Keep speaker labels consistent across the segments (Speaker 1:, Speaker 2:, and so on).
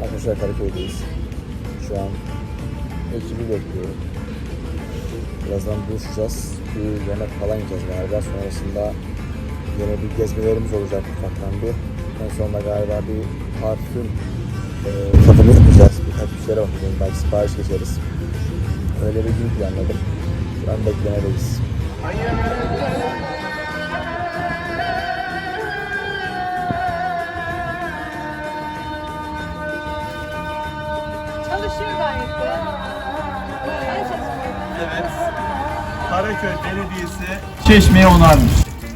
Speaker 1: Arkadaşlar Karaköy'deyiz. Şu an ekibi bekliyorum. Birazdan buluşacağız. Bir yemek falan yiyeceğiz galiba. Sonrasında yine bir gezmelerimiz olacak ufaktan bir. En sonunda galiba bir parfüm tadımı yapacağız. Birkaç bir şeylere bakacağız. Belki sipariş geçeriz. Öyle bir gün planladım. Şu an beklemedeyiz.
Speaker 2: Çalışıyor gayet de.
Speaker 3: Evet. Karaköy Belediyesi Çeşme'yi onarmış.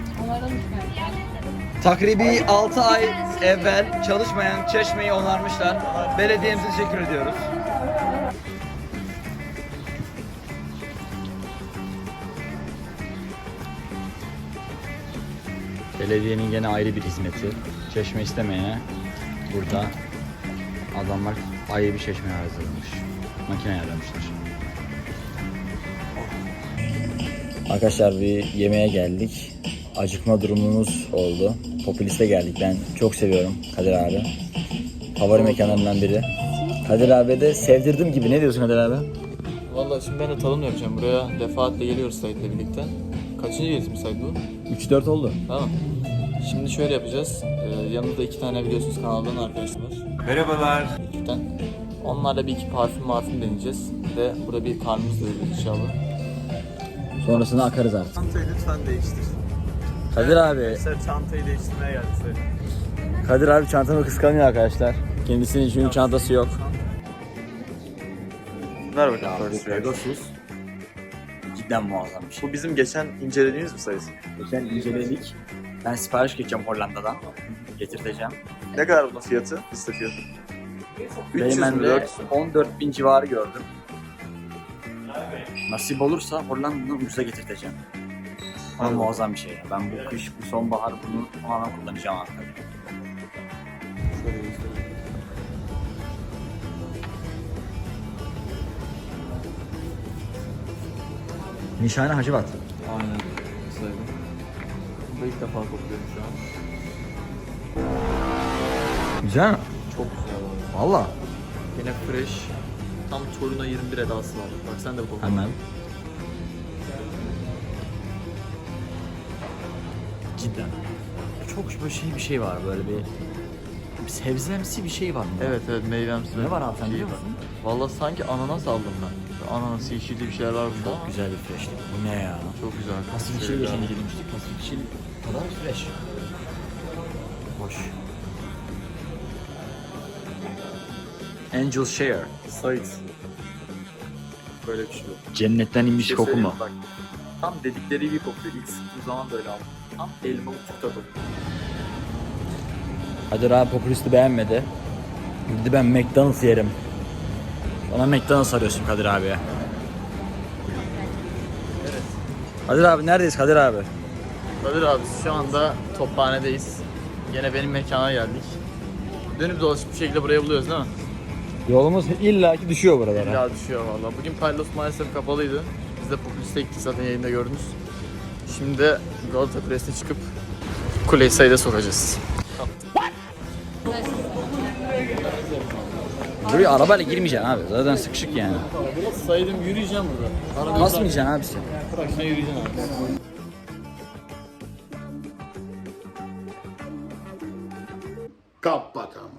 Speaker 4: Takribi 6 ay evvel çalışmayan Çeşme'yi onarmışlar. Belediyemize teşekkür ediyoruz. Belediyenin gene ayrı bir hizmeti. Çeşme istemeyene burada adamlar ayrı bir çeşme hazırlamış. Makine ayarlamışlar.
Speaker 1: Arkadaşlar bir yemeğe geldik. Acıkma durumumuz oldu. Popüliste geldik. Ben çok seviyorum Kadir abi. Favori mekanlarımdan biri. Kadir abi de sevdirdim gibi. Ne diyorsun Kadir abi?
Speaker 5: Vallahi şimdi ben de tadım yapacağım. Buraya defaatle geliyoruz Sait'le birlikte. Kaçıncı gelişim Sait bu?
Speaker 1: 3-4 oldu.
Speaker 5: Tamam. Şimdi şöyle yapacağız. Yanımda 2 tane biliyorsunuz kanaldan arkadaşlar var.
Speaker 3: Merhabalar.
Speaker 5: Ekipten. Onlarla bir iki parfüm deneyeceğiz. Ve burada bir karnımız doyuracağız inşallah.
Speaker 1: Sonrasında akarız artık.
Speaker 3: Çantayı lütfen değiştir.
Speaker 1: Kadir abi.
Speaker 3: Sen çantayı değiştirmeye geldik söyle.
Speaker 1: Kadir abi çantamı kıskanıyor arkadaşlar. Kendisinin çünkü çantası yok.
Speaker 3: Ver bakalım.
Speaker 1: Pegasus. Cidden muazzam bir şey.
Speaker 3: Bu bizim geçen incelediğimiz mi sayısı?
Speaker 1: Geçen inceledik. Ben sipariş geçeceğim Hollanda'dan. Getirteceğim.
Speaker 3: Ne kadar bunun fiyatı? Liste fiyatı. 300 mü
Speaker 1: Beymen'de
Speaker 3: 400 mü?
Speaker 1: 14.000 civarı gördüm. Nasip olursa Hollanda'dan ucuza getirteceğim. Ama muazzam bir şey ya. Ben bu kış, bu sonbahar bunu tamamen kullanacağım artık. Nişane Hacivat.
Speaker 5: Aynen. Saydım. Bunu ilk defa kokluyorum şu an.
Speaker 1: Güzel mi?
Speaker 5: Çok güzel oldu.
Speaker 1: Valla.
Speaker 5: Yine fresh. Tam Toruna 21 edası var. Bak sen de bu kokla.
Speaker 1: Hemen. Cidden. Çok böyle bir şey var böyle bir sebzemsi bir şey var mı?
Speaker 5: Evet meyvemsi.
Speaker 1: Ne var abi sen
Speaker 5: Şey
Speaker 1: biliyor
Speaker 5: var.
Speaker 1: musun?
Speaker 5: Vallahi sanki ananas aldım ben. Ananas, yeşilli bir şeyler var burada.
Speaker 1: Çok güzel bir freşlik. Bu ne ya?
Speaker 5: Çok güzel.
Speaker 1: Pasifik çili geçen girmiştik. Pasifik çili kadar fresh. Hoş. Angel Share.
Speaker 5: Sait. Böyle bir şey yok.
Speaker 1: Cennetten inmiş
Speaker 5: Bir şey
Speaker 1: koku mu?
Speaker 5: söyleyeyim bak. Tam dedikleri gibi kokuyor. İlk sıktığım zaman da öyle aldım. Tam elmalı tükta kokuyor.
Speaker 1: Kadir abi popülisti beğenmedi. Dedi ben McDonald's yerim. Ona McDonald's arıyorsun Kadir abiye.
Speaker 5: Evet.
Speaker 1: Kadir abi neredeyiz Kadir abi?
Speaker 5: Kadir abi şu anda Tophane'deyiz. Yine benim mekana geldik. Dönüp dolaşıp bir şekilde buraya buluyoruz değil mi?
Speaker 1: Yolumuz illaki düşüyor buralara.
Speaker 5: İlla düşüyor valla. Bugün Paylos maalesef kapalıydı. Biz de Popülist'e gittik zaten yayında gördünüz. Şimdi de Galata Kulesi'ne çıkıp kuleyi sayıda sokacağız.
Speaker 1: Buraya arabayla girmeyeceksin abi. Zaten sıkışık yani.
Speaker 5: Saydım yürüyeceğim burada.
Speaker 1: Basmayacaksın abi sen.
Speaker 5: Bırakışına yürüyeceğim abi.
Speaker 6: Kapat ama.